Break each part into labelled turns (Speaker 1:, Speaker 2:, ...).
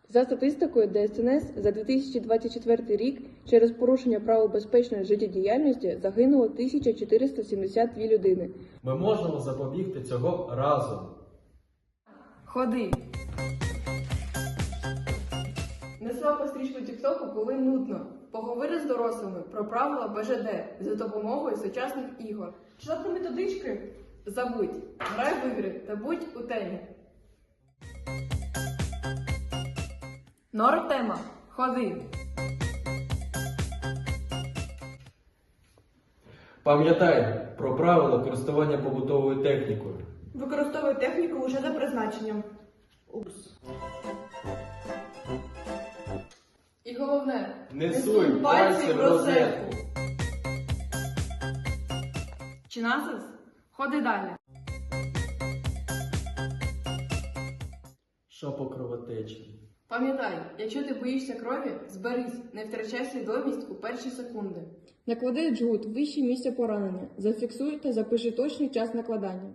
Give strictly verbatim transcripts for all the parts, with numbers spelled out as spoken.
Speaker 1: За статистикою Де Ес Ен Ес, за дві тисячі двадцять четвертий рік через порушення правил безпечної життєдіяльності загинуло тисяча чотириста сімдесят дві людини.
Speaker 2: Ми можемо запобігти цього разом.
Speaker 1: Ходи! Не слабо стрічку тіктоку, коли нудно. Поговори з дорослими про правила Бе Же Де за допомогою сучасних ігор.
Speaker 3: Читати методички?
Speaker 1: Забудь, грай в ігри та будь у темі. Норм-тема. Ходи!
Speaker 2: Пам'ятай про правила користування побутовою технікою.
Speaker 3: Використовуй техніку лише за призначенням. Упс.
Speaker 1: І головне,
Speaker 2: Не суй пальці в розетку.
Speaker 1: Чи насис? Ходи далі.
Speaker 2: Що по кровотечі?
Speaker 1: Пам'ятай, якщо ти боїшся крові, зберись, не втрачай свідомість у перші секунди. Наклади джгут вище місця поранення. Зафіксуй та запиши точний час накладання.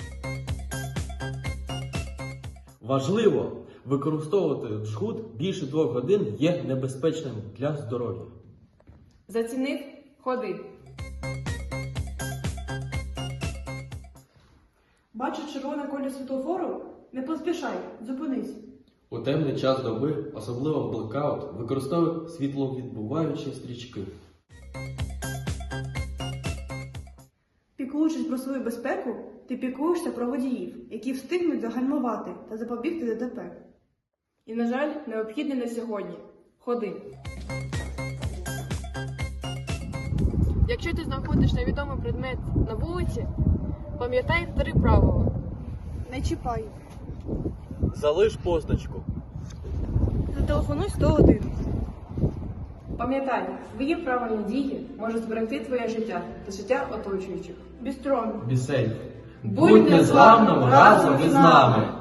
Speaker 2: Важливо! Використовувати джгут більше двох годин є небезпечним для здоров'я.
Speaker 1: Зацінив? Ходи.
Speaker 3: Бачиш червоне коло світлофору? Не поспішай, зупинись.
Speaker 2: У темний час доби, особливо в блекаут, використовуй світловідбиваючі стрічки.
Speaker 3: Піклуючись про свою безпеку, ти піклуєшся про водіїв, які встигнуть загальмувати та запобігти Де Те Пе.
Speaker 1: І, на жаль, необхідне на сьогодні. Ходи. Якщо ти знаходиш невідомий предмет на вулиці, пам'ятай три правила.
Speaker 3: Не чіпай.
Speaker 2: Залиш позначку.
Speaker 3: Зателефонуй сто один.
Speaker 1: Пам'ятай, твої правильні дії можуть зберегти твоє життя та життя оточуючих.
Speaker 3: Бістрон.
Speaker 2: Бісейф.
Speaker 1: Будь незламним разом із нами!